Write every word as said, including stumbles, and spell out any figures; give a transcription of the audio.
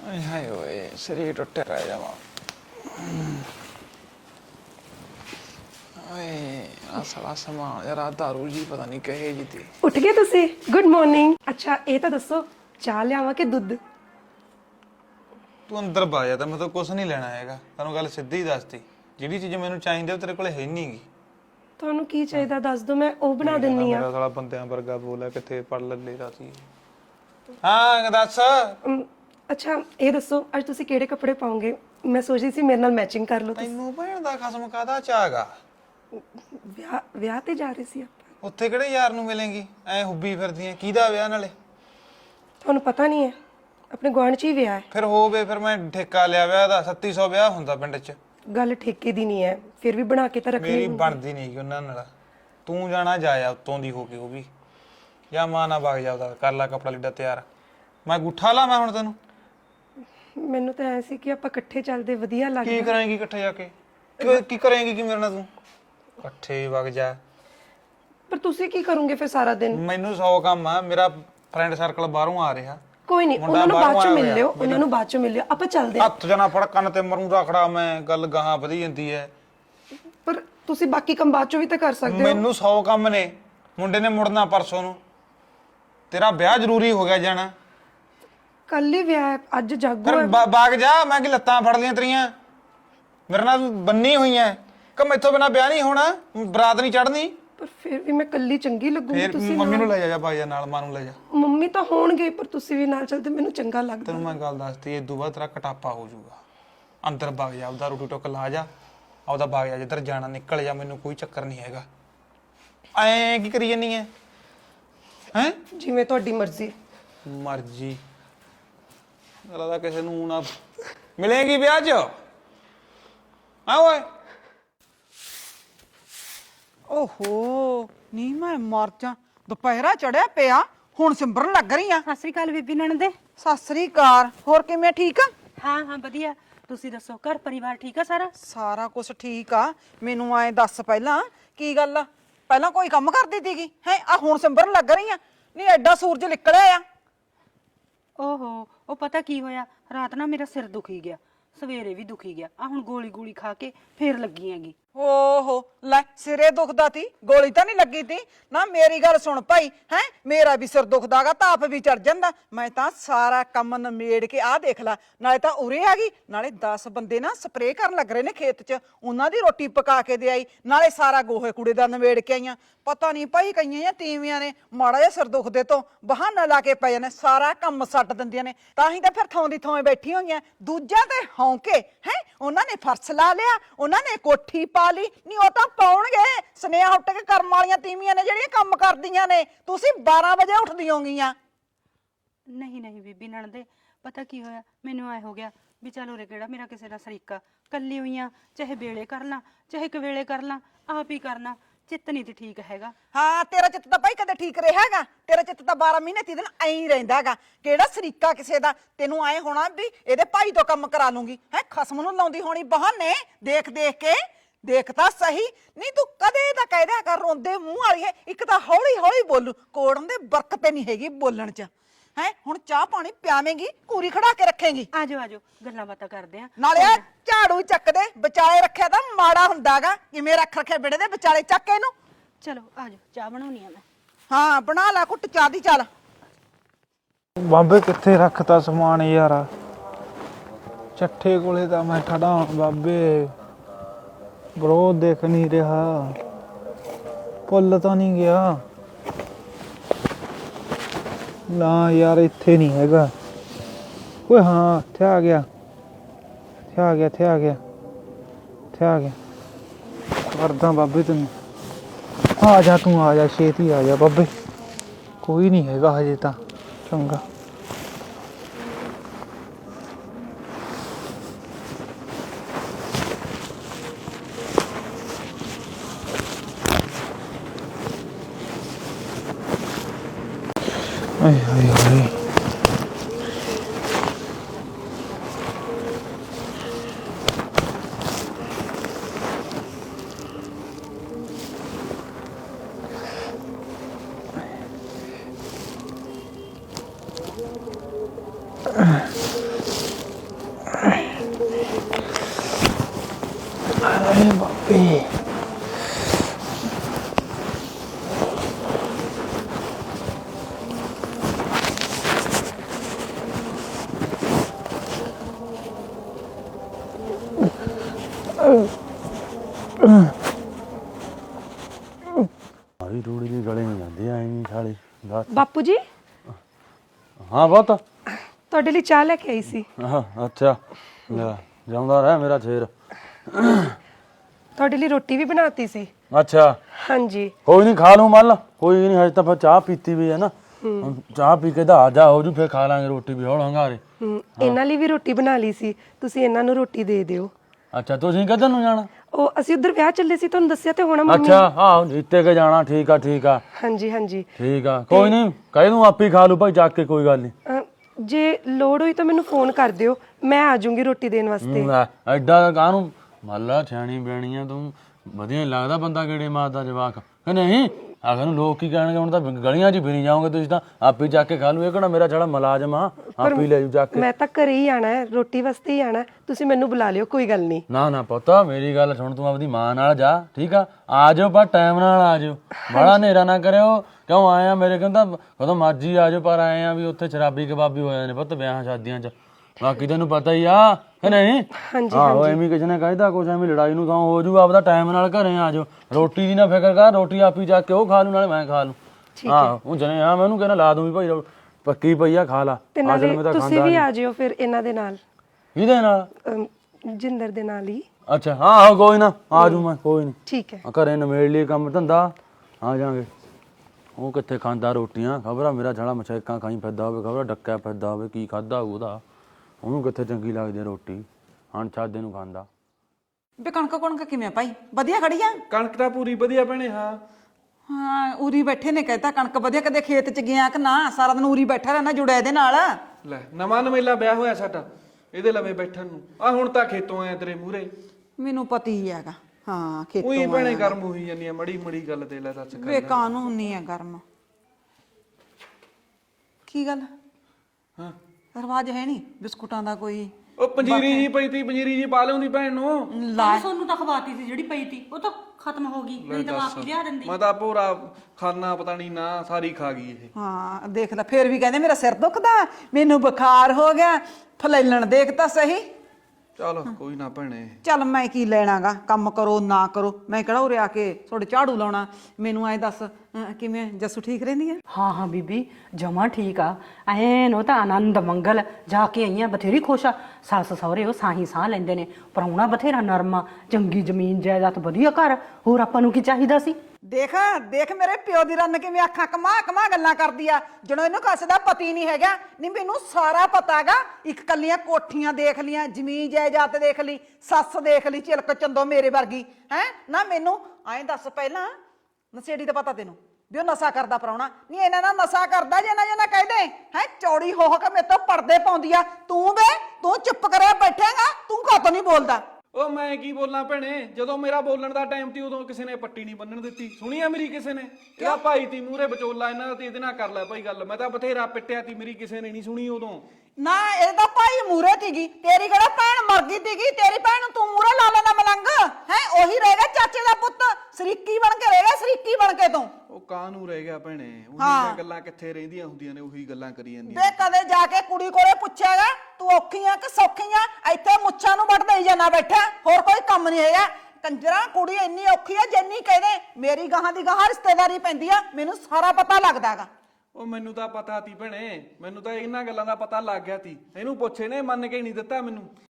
ਹਾਏ ਹਾਏ ਓਏ ਸਰੀਰ ਟੁੱਟਿਆ ਰਹਿ ਜਾਵਾਂ। ਓਏ ਆ ਸਾਲਾ ਸਮਾਂ ਯਾਰ ਆਹ ਦਾਰੂ ਜੀ ਪਤਾ ਨਹੀਂ ਕਹੇ ਜੀ ਤੀ। ਉੱਠ ਗਏ ਤੁਸੀਂ? Good morning. ਅੱਛਾ ਇਹ ਤਾਂ ਦੱਸੋ ਚਾਹ ਲਿਆਵਾਂ ਕਿ ਦੁੱਧ? ਤੂੰ ਅੰਦਰ ਬਾ ਜਾ, ਤਾਂ ਮੈਂ ਤਾਂ ਕੁਝ ਨਹੀਂ ਲੈਣਾ ਹੈਗਾ। ਤੈਨੂੰ ਗੱਲ ਸਿੱਧੀ ਦੱਸਤੀ, ਜਿਹੜੀ ਚੀਜ਼ ਮੈਨੂੰ ਚਾਹੀਦੀ ਉਹ ਤੇਰੇ ਕੋਲੇ ਹੈ ਨਹੀਂਗੀ। ਤੁਹਾਨੂੰ ਕੀ ਚਾਹੀਦਾ ਦੱਸ ਦਿਓ, ਮੈਂ ਉਹ ਬਣਾ ਦਿੰਨੀ ਆ। ਮੇਰਾ ਸਾਲਾ ਬੰਦਿਆਂ ਵਰਗਾ ਬੋਲਿਆ, ਕਿੱਥੇ ਪੜ ਲੱਲੇ ਰਾਤੀ। ਹਾਂ ਦੱਸ। ਅਮ, ਅੱਛਾ ਇਹ ਦੱਸੋ ਅੱਜ ਤੁਸੀਂ ਕਿਹੜੇ ਕੱਪੜੇ ਪਾਓਗੇ? ਮੈਂ ਸੋਚ ਰਹੀ ਸੀ ਮੇਰੇ ਨਾਲ ਮੈਚਿੰਗ ਕਰ ਲਓ ਤੁਸੀਂ। ਤੈਨੂੰ ਭੈਣ ਦਾ ਖਸਮ ਕਾਹਦਾ ਚਾਹਗਾ? ਵਿਆਹ ਵਿਆਹ ਤੇ ਜਾ ਰਹੇ ਸੀ ਆਪਾਂ। ਉੱਥੇ ਕਿਹੜੇ ਯਾਰ ਨੂੰ ਮਿਲੇਂਗੀ? ਐ ਹੁੱਬੀ ਫਿਰਦੀਆਂ, ਕਿਹਦਾ ਵਿਆਹ ਨਾਲੇ? ਤੁਹਾਨੂੰ ਪਤਾ ਨਹੀਂ ਹੈ ਆਪਣੇ ਗੁਆਂਢ 'ਚ ਹੀ ਵਿਆਹ ਹੈ। ਫਿਰ ਹੋਵੇ, ਫਿਰ ਮੈਂ ਠੇਕਾ ਲਿਆ ਵਿਆਹ ਦਾ। ਛੱਤੀ ਸੌ ਵਿਆਹ ਹੁੰਦਾ ਪਿੰਡ 'ਚ। ਗੱਲ ਠੇਕੇ ਦੀ ਨਹੀਂ ਹੈ, ਫਿਰ ਵੀ ਬਣਾ ਕੇ ਤਾਂ ਰੱਖਣੀ ਮੇਰੀ ਬਣਦੀ ਨਹੀਂ ਉਹਨਾਂ ਨਾਲ। ਤੂੰ ਜਾਣਾ ਜਾਇਆ ਉੱਤੋਂ ਦੀ ਹੋ ਕੇ, ਉਹ ਵੀ ਜਾਂ ਮਾਂ ਨਾ ਵਗ ਜਾ, ਉਹਦਾ ਕਰ ਲਾ ਕੱਪੜਾ ਲੀੜਾ ਤਿਆਰ। ਮੈਂ ਗੁੱਠਾ ਲਾ ਮੈਂ ਹੁਣ ਤੈਨੂੰ। ਮੈਨੂੰ ਤਾਂ ਐ ਸੀ ਕਿ ਆਪਾਂ ਇਕੱਠੇ ਚੱਲਦੇ ਵਧੀਆ ਲੱਗਦਾ। ਕੀ ਕਰਾਂਗੀ ਇਕੱਠੇ ਜਾ ਕੇ? ਕੀ- ਕੀ ਕਰੇਂਗੀ ਕੀ ਮੇਰੇ ਨਾਲ ਤੂੰ? ਇਕੱਠੇ ਵਗ ਜਾ। ਪਰ ਤੁਸੀਂ ਕੀ ਕਰੋਗੇ ਫਿਰ ਸਾਰਾ ਦਿਨ? ਮੈਨੂੰ ਸੌ ਕੰਮ ਆ। ਮੇਰਾ ਫਰੈਂਡ ਸਰਕਲ ਬਾਹਰੋਂ ਆ ਰਿਹਾ। ਕੋਈ ਨਹੀਂ, ਉਹਨਾਂ ਨੂੰ ਬਾਅਦ ਚ ਮਿਲ ਲਿਓ, ਉਹਨਾਂ ਨੂੰ ਬਾਅਦ ਚ ਮਿਲ ਲਿਓ, ਆਪਾਂ ਚੱਲਦੇ ਆਂ। ਹੱਥ ਜਨਾ ਫੜ ਕੰਨ ਤੇ ਮਰੂ ਰਖੜਾ, ਮੈਂ ਗੱਲ ਗਾਹਾਂ ਵਧੀ ਜਾਂਦੀ ਐ। ਪਰ ਤੁਸੀਂ ਬਾਕੀ ਕੰਮ ਬਾਅਦ ਚ ਵੀ ਤਾਂ ਕਰ ਸਕਦੇ ਹੋ। ਮੈਨੂੰ ਸੌ ਕੰਮ ਨੇ। ਮੁੰਡੇ ਨੇ ਮੁੜਨਾ ਪਰਸੋਂ ਨੂੰ। ਤੇਰਾ ਵਿਆਹ ਜ਼ਰੂਰੀ ਹੋ ਗਿਆ ਜਾਣਾ। ਕੱਲ ਹੀ ਵਿਆਹ ਹੈ, ਅੱਜ ਜਾਗੋ ਫਿਰ ਹੈ। ਬਾਗ ਜਾ। ਮੈਂ ਕਿ ਲੱਤਾਂ ਫੜ ਲੀਆਂ ਤੇਰੀਆਂ? ਮੇਰੇ ਨਾਲ ਬੰਨੀ ਹੋਈਆਂ ਕਿ ਮੈਥੋਂ ਬਿਨਾ ਵਿਆਹ ਨਹੀਂ ਹੋਣਾ, ਬਰਾਤ ਨਹੀਂ ਚੜ੍ਹਨੀ। ਪਰ ਫਿਰ ਵੀ ਮੈਂ ਕੱਲੀ ਚੰਗੀ ਲੱਗੂਗੀ। ਫਿਰ ਤੁਸੀਂ ਮੰਮੀ ਨੂੰ ਲੈ ਜਾ, ਜਾ ਭਾਈ ਜਾ ਨਾਲ, ਮਾਂ ਨੂੰ ਲੈ ਜਾ। ਮੰਮੀ ਤਾਂ ਹੋਣਗੇ ਪਰ ਤੁਸੀਂ ਵੀ ਨਾਲ ਚੱਲਦੇ ਮੈਨੂੰ ਚੰਗਾ ਲੱਗਦਾ। ਤੈਨੂੰ ਮੈਂ ਗੱਲ ਦੱਸਦੀ, ਇਦੋਂ ਬਾਅਦ ਤੇਰਾ ਕਟਾਪਾ ਹੋ ਜਾਊਗਾ। ਅੰਦਰ ਬਾਗ ਜਾ, ਉਹਦਾ ਰੋਟੀ ਟੁੱਕ ਲਾ ਜਾ, ਉਹਦਾ ਬਾਗ ਜਾ, ਜਿੱਧਰ ਜਾਣਾ ਨਿਕਲ ਜਾ, ਮੈਨੂੰ ਕੋਈ ਚੱਕਰ ਨਹੀਂ ਹੈਗਾ। ਐਂ ਕੀ ਕਰੀ ਜਾਨੀ ਐ? ਹੈਂ? ਜਿਵੇਂ ਤੁਹਾਡੀ ਮਰਜ਼ੀ। ਮਰਜ਼ੀ ਲੱਗਦਾ ਕਿਸੇ ਨੂੰ ਨਾ ਮਿਲੇਗੀ ਵਿਆਹ 'ਚ। ਆ ਓਏ ਓਹੋ ਨੀ ਮੈਂ ਮਰ ਜਾ। ਦੁਪਹਿਰਾ ਚੜਿਆ ਪਿਆ, ਹੁਣ ਸਿਮਰਨ ਲੱਗ ਰਹੀ ਆ। ਸਤਿ ਸ੍ਰੀ ਅਕਾਲ ਬੀਬੀ ਨਣਦੇ। ਸਤਿ ਸ੍ਰੀ ਅਕਾਲ। ਹੋਰ ਕਿਵੇਂ? ਠੀਕ ਆ? ਹਾਂ ਹਾਂ ਵਧੀਆ। ਤੁਸੀਂ ਦੱਸੋ ਘਰ ਪਰਿਵਾਰ ਠੀਕ ਆ ਸਾਰਾ? ਸਾਰਾ ਕੁਝ ਠੀਕ ਆ। ਮੈਨੂੰ ਐ ਦੱਸ ਪਹਿਲਾਂ ਕੀ ਗੱਲ ਆ? ਪਹਿਲਾਂ ਕੋਈ ਕੰਮ ਕਰਦੀ ਸੀਗੀ ਹੈ? ਆ ਹੁਣ ਸਿਮਰਨ ਲੱਗ ਰਹੀ ਆ? ਨਹੀਂ ਐਡਾ ਸੂਰਜ ਨਿਕਲਿਆ ਆ। ਓਹੋ ਉਹ ਪਤਾ ਕੀ ਹੋਇਆ, ਰਾਤ ਨਾ ਮੇਰਾ ਸਿਰ ਦੁਖੀ ਗਿਆ, ਸਵੇਰੇ ਵੀ ਦੁਖੀ ਗਿਆ, ਆ ਹੁਣ ਗੋਲੀ ਗੋਲੀ ਖਾ ਕੇ ਫੇਰ ਲੱਗੀ ਹੈਗੀ। ਓਹੋ ਲੈ, ਸਿਰੇ ਦੁਖਦਾ ਤੀ, ਗੋਲੀ ਤਾਂ ਨਹੀਂ ਲੱਗੀ ਤੀ ਨਾ? ਮੇਰੀ ਗੱਲ ਸੁਣ ਭਾਈ, ਹੈ ਮੇਰਾ ਵੀ ਸਿਰ ਦੁਖਦਾਗਾ, ਤਾਪ ਵੀ ਚੜ ਜਾਂਦਾ। ਮੈਂ ਤਾਂ ਸਾਰਾ ਕੰਮ ਨਮੇੜ ਕੇ ਆਹ ਦੇਖ ਲਾ, ਨਾਲੇ ਤਾਂ ਉਰੇ ਆ ਗਈ, ਨਾਲੇ ਦਸ ਬੰਦੇ ਨਾ ਸਪਰੇਅ ਕਰਨ ਲੱਗ ਰਹੇ ਨੇ ਖੇਤ 'ਚ, ਉਹਨਾਂ ਦੀ ਰੋਟੀ ਪਕਾ ਕੇ ਦੇ ਆਈ, ਨਾਲੇ ਸਾਰਾ ਗੋਹੇ ਕੂੜੇ ਦਾ ਨਮੇੜ ਕੇ ਆਈਆਂ। ਪਤਾ ਨਹੀਂ ਭਾਈ ਕਈਆਂ ਜਾਂ ਤੀਵੀਆਂ ਨੇ ਮਾੜਾ ਜਿਹਾ ਸਿਰ ਦੁਖਦੇ ਤੋਂ ਬਹਾਨਾ ਲਾ ਕੇ ਪੈ ਜਾਂਦੇ, ਸਾਰਾ ਕੰਮ ਸੱਟ ਦਿੰਦੀਆਂ ਨੇ। ਤਾਂ ਹੀ ਤਾਂ ਫਿਰ ਥਾਂ ਦੀ ਥਾਂ ਬੈਠੀ ਹੋਈਆਂ। ਦੂਜਿਆਂ ਤੇ ਹੌਂਕੇ ਹੈ, ਉਹਨਾਂ ਨੇ ਫਰਸ਼ ਲਾ ਲਿਆ, ਉਹਨਾਂ ਨੇ ਕੋਠੀ ਪਾ ਲਈ। ਨਹੀਂ ਉਹ ਤਾਂ ਪਾਉਣਗੇ, ਸੁਨੇਹਾ ਉੱਟ ਕੇ ਕਰਮ ਵਾਲੀਆਂ ਤੀਵੀਆਂ ਨੇ ਜਿਹੜੀਆਂ ਕੰਮ ਕਰਦੀਆਂ ਨੇ। ਤੁਸੀਂ ਬਾਰਾਂ ਵਜੇ ਉੱਠਦੀ ਹੋਗੀਆਂ। ਨਹੀਂ ਨਹੀਂ ਬੀਬੀ ਨਣਦੇ, ਪਤਾ ਕੀ ਹੋਇਆ, ਮੈਨੂੰ ਐ ਹੋ ਗਿਆ ਵੀ ਚੱਲ ਉਰੇ ਕਿਹੜਾ ਮੇਰਾ ਕਿਸੇ ਦਾ ਸਰੀਕਾ, ਕੱਲੀ ਹੋਈਆਂ, ਚਾਹੇ ਵੇਲੇ ਕਰ ਲਾਂ ਚਾਹੇ ਕਵੇਲੇ ਕਰ ਲਾਂ, ਆਪ ਹੀ ਕਰਨਾ। ਚਿੱਤ ਨਹੀਂ ਤੇ ਠੀਕ ਹੈਗਾ। ਹਾਂ ਤੇਰਾ ਚਿੱਤ ਤਾਂ ਭਾਈ ਕਦੇ ਠੀਕ ਰਿਹਾ ਹੈਗਾ? ਤੇਰਾ ਚਿੱਤ ਤਾਂ ਬਾਰਾਂ ਮਹੀਨੇ ਤੀਹ ਦਿਨ ਐਂ ਹੀ ਰਹਿੰਦਾ ਹੈਗਾ। ਕਿਹੜਾ ਸਰੀਕਾ ਕਿਸੇ ਦਾ? ਤੈਨੂੰ ਐ ਹੋਣਾ ਵੀ ਇਹਦੇ ਭਾਈ ਤੋਂ ਕੰਮ ਕਰਾ ਲੂੰਗੀ ਹੈ? ਖਸਮ ਨੂੰ ਲਾਉਂਦੀ ਹੋਣੀ ਬਹਾਨੇ ਦੇਖ ਦੇਖ ਕੇ। ਦੇਖ ਤਾਂ ਸਹੀ, ਨਹੀਂ ਤੂੰ ਕਦੇ ਤਾਂ ਕਹਿ ਦਿਆ ਕਰ ਰੋਂਦੇ ਮੂੰਹ ਵਾਲੀ ਹੈ। ਇੱਕ ਤਾਂ ਹੌਲੀ ਹੌਲੀ ਬੋਲੂ, ਕੋੜਨ ਦੇ ਬਰਕਤ ਨਹੀਂ ਹੈਗੀ ਬੋਲਣ 'ਚ ਹੈ। ਹੁਣ ਚਾਹ ਪਾਣੀ ਪਿਆਵੇਂਗੀ, ਕੂਰੀ ਖੜਾ ਕੇ ਰੱਖੇਂਗੀ? ਆਜੋ ਆਜੋ ਗੱਲਾਂ ਬਾਤਾਂ ਕਰਦੇ ਆ। ਨਾਲੇ ਆ ਝਾੜੂ ਚੱਕ ਦੇ, ਵਿਚਾਲੇ ਰੱਖਿਆ ਤਾਂ ਮਾੜਾ ਹੁੰਦਾਗਾ। ਕਿਵੇਂ ਰੱਖ ਰੱਖਿਆ ਬੇੜੇ ਦੇ ਵਿਚਾਲੇ, ਚੱਕ ਇਹਨੂੰ। ਚਲੋ ਆਜੋ ਚਾਹ ਬਣਾਉਣੀ ਆ ਮੈਂ। ਹਾਂ ਬਣਾ ਲੈ ਕੁੱਟ ਚਾਹ ਦੀ। ਚੱਲ ਬਾਬੇ ਕਿੱਥੇ ਰੱਖਤਾ ਸਮਾਨ ਯਾਰ? ਚੱਠੇ ਕੋਲੇ ਤਾਂ ਮੈਂ ਖੜਾ ਬਾਬੇ, ਬਰੋ ਦੇਖ ਨਹੀਂ ਰਿਹਾ, ਭੁੱਲ ਤਾਂ ਨਹੀਂ ਗਿਆ ਨਾ ਯਾਰ? ਇੱਥੇ ਨਹੀਂ ਹੈਗਾ। ਓਏ ਹਾਂ ਇੱਥੇ ਆ ਗਿਆ, ਇੱਥੇ ਆ ਗਿਆ, ਇੱਥੇ ਆ ਗਿਆ, ਇੱਥੇ ਆ ਗਿਆ। ਕਰਦਾ ਬਾਬੇ ਤੈਨੂੰ, ਆ ਜਾ ਤੂੰ, ਆ ਜਾ ਛੇਤੀ ਆ ਜਾ ਬਾਬੇ। ਕੋਈ ਨਹੀਂ ਹੈਗਾ ਹਜੇ ਤਾਂ, ਚੰਗਾ। ਆਏ ਹਾਏ ਹਾਏ, ਆਈ ਰੂੜੀ ਦੀ ਗਲੇ ਨੂੰ ਜਾਂਦੇ ਆ ਐਵੇਂ ਸਾਲੇ ਦੱਸ। ਬਾਪੂ ਜੀ ਹਾਂ ਬਹੁਤ ਤੁਹਾਡੇ ਲਈ ਚਾਹ ਲੈ ਕੇ ਆਈ ਸੀ। ਹਾਂ ਅੱਛਾ ਲੈ ਜਾਉਂਦਾ ਰਹਿ ਮੇਰਾ ਸ਼ੇਰ। ਤੁਹਾਡੇ ਲਈ ਰੋਟੀ ਵੀ ਬਣਾਤੀ ਸੀ। ਅੱਛਾ ਹਾਂਜੀ ਕੋਈ ਨਹੀਂ ਖਾ ਲੂੰ ਮੱਲ ਕੋਈ ਨਹੀਂ ਹਜੇ ਤਾਂ ਫਿਰ ਚਾਹ ਪੀਤੀ ਵੀ ਹੈ ਨਾ ਹੁਣ ਚਾਹ ਪੀ ਕੇ ਤਾਂ ਆ ਜਾ ਹੋ ਜੂ ਫਿਰ ਖਾ ਲਾਂਗੇ ਰੋਟੀ ਵੀ ਹੌਲ ਹੰਗਾਰੇ। ਹਮ, ਇਹਨਾਂ ਲਈ ਵੀ ਰੋਟੀ ਬਣਾ ਲਈ ਸੀ, ਤੁਸੀਂ ਇਹਨਾਂ ਨੂੰ ਰੋਟੀ ਦੇ ਦਿਓ। ਅੱਛਾ ਤੁਸੀਂ ਕਿੱਧਰ ਨੂੰ ਜਾਣਾ? ਉਹ ਅਸੀਂ ਉਧਰ ਵਿਆਹ ਚੱਲੇ ਸੀ, ਤੁਹਾਨੂੰ ਦੱਸਿਆ ਤੇ ਹੋਣਾ ਮੰਮੀ। ਅੱਛਾ ਹਾਂ ਜੀਤੇ ਕੇ ਜਾਣਾ ਠੀਕ ਆ ਠੀਕ ਆ ਹਾਂਜੀ ਹਾਂਜੀ ਠੀਕ ਆ ਕੋਈ ਨਹੀਂ ਕਹਿ ਦੂੰ ਆਪੇ ਖਾ ਲੂ ਭਾਈ ਜਾ ਕੇ ਕੋਈ ਗੱਲ ਨਹੀਂ। ਅਹ, ਜੇ ਲੋੜ ਹੋਈ ਤਾਂ ਮੈਨੂੰ ਫੋਨ ਕਰ ਦਿਓ, ਮੈਂ ਆ ਜਾਊਂਗੀ ਰੋਟੀ ਦੇਣ ਵਾਸਤੇ। ਐਡਾ ਕਾਹਨੂੰ ਮੱਲਾ ਛਾਣੀ ਬੈਣੀ ਆ ਤੂੰ ਵਧੀਆ ਨੀ ਲੱਗਦਾ ਬੰਦਾ ਕਿਹੜੇ ਮਾਰਦਾ ਜਵਾਕ ਕਿ ਨਹੀਂ ਆਖਰ ਨੂੰ ਲੋਕ ਕੀ ਕਹਿਣਗੇ ਹੁਣ ਤਾਂ ਗਲੀਆਂ 'ਚ ਵੀ ਨਹੀਂ ਜਾਓਗੇ ਤੁਸੀਂ ਤਾਂ ਆਪੇ ਜਾ ਕੇ ਖਾ ਲੂ ਇਹ ਕਿਹੜਾ ਮੇਰਾ ਛੜਾ ਮੁਲਾਜ਼ਮ ਆ ਆਪੇ ਲੈ ਜੂ ਜਾ ਕੇ। ਮੈਂ ਤਾਂ ਘਰੇ ਹੀ ਆਣਾ ਹੈ, ਰੋਟੀ ਵਾਸਤੇ ਹੀ ਆਣਾ, ਤੁਸੀਂ ਮੈਨੂੰ ਬੁਲਾ ਲਿਓ ਕੋਈ ਗੱਲ ਨਹੀਂ। ਨਾ ਨਾ ਪੁੱਤਾ ਮੇਰੀ ਗੱਲ ਸੁਣ ਤੂੰ ਆਪਦੀ ਮਾਂ ਨਾਲ ਜਾ ਠੀਕ ਆ ਆ ਜਾਓ ਪਰ ਟਾਈਮ ਨਾਲ ਆ ਜਾਓ ਬੜਾ ਹਨੇਰਾ ਨਾ ਕਰਿਓ ਕਿਉਂ ਆਏ ਆ ਮੇਰੇ ਕਹਿੰਦਾ ਕਦੋਂ ਮਰਜੀ ਆ ਜਾਓ ਪਰ ਆਏ ਆ ਵੀ ਉੱਥੇ ਸ਼ਰਾਬੀ ਕਬਾਬੀ ਹੋ ਜਾਂਦੇ ਨੇ ਪੁੱਤ ਵਿਆਹਾਂ ਸ਼ਾਦੀਆਂ 'ਚ ਬਾਕੀ ਤੈਨੂੰ ਪਤਾ ਹੀ ਆ ਕਿ ਨਹੀਂ। ਹਾਂਜੀ ਆਹੋ ਐਵੇਂ ਕਿਸੇ ਨੇ ਕਹਿਦਾ ਕੁਛ ਐਵੇਂ ਲੜਾਈ ਨੂੰ ਤਾਂ ਹੋ ਜੂ ਆਪਦਾ ਟਾਈਮ ਨਾਲ ਘਰੇ ਆ ਜਾਓ ਰੋਟੀ ਦੀ ਨਾ ਫਿਕਰ ਕਰ ਰੋਟੀ ਆਪੀ ਜਾ ਕੇ ਉਹ ਖਾ ਲੂ ਨਾਲੇ ਮੈਂ ਖਾ ਲੂ। ਹਾਂ ਉਹ ਜਨੇ ਆ ਮੈਂ ਉਹਨੂੰ ਕਹਿੰਦਾ ਲਾ ਦੂੰ ਵੀ ਭਾਈ ਪੱਕੀ ਪਈ ਆ ਖਾ ਲਾ ਤੇ ਨਾਲੇ ਤੁਸੀਂ ਵੀ ਆ ਜਿਓ ਫਿਰ ਇਹਨਾਂ ਦੇ ਨਾਲ। ਇਹਦੇ ਨਾਲ ਅਮ, ਜਿੰਦਰ ਦੇ ਨਾਲ ਹੀ। ਅੱਛਾ ਹਾਂ ਹਾਂ ਕੋਈ ਨਾ ਆ ਜੂ ਮੈਂ ਕੋਈ ਨਹੀਂ ਠੀਕ ਹੈ ਘਰੇ ਨਵੇੜ ਲਈ ਕੰਮ ਧੰਦਾ ਆ ਜਾਾਂਗੇ। ਉਹ ਕਿੱਥੇ ਖਾਂਦਾ ਰੋਟੀਆਂ ਖਬਰਾਂ ਮੇਰਾ ਛੜਾ ਮਛੇਕਾਂ ਖਾਈ ਫਿਰਦਾ ਹੋਵੇ ਖਬਰਾਂ ਡੱਕਿਆ ਫਿਰਦਾ ਹੋਵੇ ਕੀ ਖਾਦਾ ਉਹਦਾ ਉਹਨੂੰ ਕਿੱਥੇ ਚੰਗੀ ਲੱਗਦੀ ਰੋਟੀ ਹਣ ਛਾਦੇ ਨੂੰ ਖਾਂਦਾ। ਵੀ ਕਣਕ ਕਣਕ ਕਿਵੇਂ ਭਾਈ ਵਧੀਆ ਖੜੀ ਆ? ਕਣਕ ਤਾਂ ਪੂਰੀ ਵਧੀਆ ਭੈਣੇ। ਹਾਂ ਹਾਂ ਉਰੀ ਬੈਠੇ ਨੇ ਕਹਿਤਾ ਕਣਕ ਵਧੀਆ, ਕਦੇ ਖੇਤ ਚ ਗਿਆ ਕਿ ਨਾ ਸਾਰਾ ਦਿਨ ਉਰੀ ਬੈਠਾ ਰਹਿਣਾ ਜੁੜਿਆ ਇਹਦੇ ਨਾਲ। ਲੈ ਨਵਾਂ ਨਵੇਲਾ ਵਿਆਹ ਹੋਇਆ ਸਾਡਾ ਇਹਦੇ ਲਵੇ ਬੈਠਣ ਨੂੰ ਆ ਹੁਣ ਤਾਂ ਖੇਤੋਂ ਆਇਆ ਤੇਰੇ ਮੂਹਰੇ। ਮੈਨੂੰ ਪਤਾ ਹੀ ਹੈਗਾ ਹਾਂ ਖੇਤੋਂ ਉਹੀ ਭੈਣੇ ਗਰਮ ਹੋਈ ਜਾਂਦੀ ਆ ਮੜੀ ਮੜੀ ਗੱਲ ਤੇ ਲੈ ਦੱਸ ਵੇ ਕਾਨੂੰਨ ਨਹੀਂ ਹੈ ਗਰਮ ਕੀ ਗੱਲ ਹਾਂ ਰਵਾਜ ਹੈ ਨਹੀਂ ਬਿਸਕੁਟਾਂ ਦਾ ਕੋਈ? ਉਹ ਪੰਜੀਰੀ ਜੀ ਪਈ ਤੀ ਪੰਜੀਰੀ ਜੀ ਪਾ ਲਿਆਉਂਦੀ ਭੈਣ ਨੂੰ। ਲਾ ਸੋਨੂੰ ਤਾਂ ਖਵਾਤੀ ਸੀ ਜਿਹੜੀ ਪਈ ਤੀ ਉਹ ਤਾਂ ਖਤਮ ਹੋ ਗਈ ਨਹੀਂ ਤਾਂ ਆਪ ਹੀ ਲਿਆ ਦਿੰਦੀ। ਮੈਂ ਤਾਂ ਪੂਰਾ ਖਾਣਾ ਪਤਾ ਨਹੀਂ ਨਾ ਸਾਰੀ ਖਾ ਗਈ ਇਹ। ਹਾਂ ਦੇਖ ਲੈ ਫੇਰ ਵੀ ਕਹਿੰਦੇ ਮੇਰਾ ਸਿਰ ਦੁਖਦਾ ਮੈਨੂੰ ਬੁਖਾਰ ਹੋ ਗਿਆ ਫਲੈਲਣ ਦੇਖ ਤਾਂ ਸਹੀ। ਚਲ ਕੋਈ ਨਾ ਭੈਣੇ ਚੱਲ ਮੈਂ ਕੀ ਲੈਣਾਗਾ ਕੰਮ ਕਰੋ ਨਾ ਕਰੋ ਮੈਂ ਕਿਹੜਾ ਉਰੇ ਆ ਕੇ ਤੁਹਾਡੇ ਝਾੜੂ ਲਾਉਣਾ। ਮੈਨੂੰ ਐ ਦੱਸ ਅਹ ਕਿਵੇਂ ਜੱਸੂ ਠੀਕ ਰਹਿੰਦੀ ਹੈ? ਹਾਂ ਹਾਂ ਬੀਬੀ ਜਮਾ ਠੀਕ ਆ ਐਨ ਉਹ ਤਾਂ ਆਨੰਦ ਮੰਗਲ ਜਾ ਕੇ ਆਈਆਂ ਬਥੇਰੀ ਖੁਸ਼ ਆ। ਸੱਸ ਸਹੁਰੇ ਉਹ ਸਾਹੀ ਸਾਹ ਲੈਂਦੇ ਨੇ ਪ੍ਰਾਹੁਣਾ ਬਥੇਰਾ ਨਰਮਾ ਚੰਗੀ ਜ਼ਮੀਨ ਜਾਇਦਾਦ ਵਧੀਆ ਘਰ ਹੋਰ ਆਪਾਂ ਨੂੰ ਕੀ ਚਾਹੀਦਾ ਸੀ। ਦੇਖ ਦੇਖ ਮੇਰੇ ਪਿਓ ਦੀ ਰੰਨ ਕਿਵੇਂ ਅੱਖਾਂ ਕਮਾ ਕਮਾ ਗੱਲਾਂ ਕਰਦੀ ਆ ਜਦੋਂ ਇਹਨੂੰ ਕਿਸੇ ਦਾ ਪਤੀ ਨਹੀਂ ਹੈਗਾ। ਨਹੀਂ ਮੈਨੂੰ ਸਾਰਾ ਪਤਾ ਹੈਗਾ ਇੱਕ ਕੱਲੀਆਂ ਕੋਠੀਆਂ ਦੇਖ ਲੀਆਂ ਜ਼ਮੀਨ ਜਾਇਦਾਦ ਦੇਖ ਲਈ ਸੱਸ ਦੇਖ ਲਈ ਚਿਲਕ ਚੰਦੋ ਮੇਰੇ ਵਰਗੀ ਹੈ ਨਾ। ਮੈਨੂੰ ਐਂ ਦੱਸ ਪਹਿਲਾਂ ਨਸ਼ੇੜੀ ਦਾ ਪਤਾ ਤੈਨੂੰ ਵੀ ਉਹ ਨਸ਼ਾ ਕਰਦਾ ਪ੍ਰਾਹੁਣਾ? ਨਹੀਂ ਇਹਨਾਂ ਨਾਲ ਨਸ਼ਾ ਕਰਦਾ ਜੇ ਨਾ ਜੇ ਨਾ ਕਹਿੰਦੇ ਹੈ ਚੌੜੀ ਹੋ ਕੇ ਮੇਰੇ ਤੋਂ ਪਰਦੇ ਪਾਉਂਦੀ ਆ। ਤੂੰ ਵੇ ਤੂੰ ਚੁੱਪ ਕਰਿਆ ਬੈਠੇਗਾ ਤੂੰ ਕਾਹਤੋਂ ਨਹੀਂ ਬੋਲਦਾ? ਉਹ ਮੈਂ ਕੀ ਬੋਲਾਂ ਭੈਣੇ ਜਦੋਂ ਮੇਰਾ ਬੋਲਣ ਦਾ ਟਾਈਮ ਸੀ ਉਦੋਂ ਕਿਸੇ ਨੇ ਪੱਟੀ ਨਹੀਂ ਬੰਨਣ ਦਿੱਤੀ। ਸੁਣੀ ਆ ਮੇਰੀ ਕਿਸੇ ਨੇ? ਇਹਦਾ ਭਾਈ ਤੀ ਮੂਹਰੇ ਵਿਚੋਲਾ ਇਹਨਾਂ ਦਾ ਤੇ ਇਹਦੇ ਨਾਲ ਕਰ ਲੈ ਭਾਈ ਗੱਲ। ਮੈਂ ਤਾਂ ਬਥੇਰਾ ਪਿੱਟਿਆ ਤੀ ਮੇਰੀ ਕਿਸੇ ਨੇ ਨਹੀਂ ਸੁਣੀ ਉਦੋਂ। ਨਾ ਇਹਦਾ ਭਾਈ ਮੂਰੇ ਤੀਗੀ ਤੇਰੀ ਕਿਹੜਾ ਭੈਣ ਮਰ ਗਈ ਤੀਗੀ ਤੇਰੀ ਭੈਣ ਨੂੰ ਤੂੰ ਮੂਰੇ ਲਾ ਲੈਣਾ ਮਲੰਗ ਹੈ ਉਹੀ ਰਹੇਗਾ ਚਾਚੇ ਦਾ ਪੁੱਤ ਸਰੀਕੀ ਬਣ ਕੇ ਰਹੇਗਾ ਸਰੀਕੀ ਬਣ ਕੇ ਤੂੰ। ਉਹ ਕਾਹਨੂੰ ਰਹਿ ਗਿਆ ਭੈਣੇ ਉਹੀ ਗੱਲਾਂ ਕਿੱਥੇ ਰਹਿੰਦੀਆਂ ਹੁੰਦੀਆਂ ਨੇ ਉਹੀ ਗੱਲਾਂ ਕਰੀ ਜਾਂਦੀਆਂ। ਦੇ ਕਦੇ ਜਾ ਕੇ ਕੁੜੀ ਕੋਲੇ ਪੁੱਛਿਆਗਾ ਤੂੰ ਔਖੀਆਂ ਕਿ ਸੌਖੀਆਂ ਇੱਥੇ ਮੁੱਛਾਂ ਨੂੰ ਵੱਢ ਦੇਈ ਜਾਣਾ ਬੈਠਾ ਹੋਰ ਕੋਈ ਕੰਮ ਨਹੀਂ ਹੈਗਾ। ਕੰਜਰਾ ਕੁੜੀ ਇੰਨੀ ਔਖੀ ਆ ਜਿੰਨੀ ਕਹਦੇ ਮੇਰੀ ਗਾਹਾਂ ਦੀ ਗਾਹਾਂ ਰਿਸ਼ਤੇਦਾਰੀ ਪੈਂਦੀ ਆ ਮੈਨੂੰ ਸਾਰਾ ਪਤਾ ਲੱਗਦਾਗਾ। ਉਹ ਮੈਨੂੰ ਤਾਂ ਪਤਾ ਤੀ ਭੈਣੇ ਮੈਨੂੰ ਤਾਂ ਇਹਨਾਂ ਗੱਲਾਂ ਦਾ ਪਤਾ ਲੱਗ ਗਿਆ ਤੀ ਇਹਨੂੰ ਪੁੱਛੇ ਨੇ ਮੰਨ ਕੇ ਨਹੀਂ ਦਿੱਤਾ ਮੈਨੂੰ।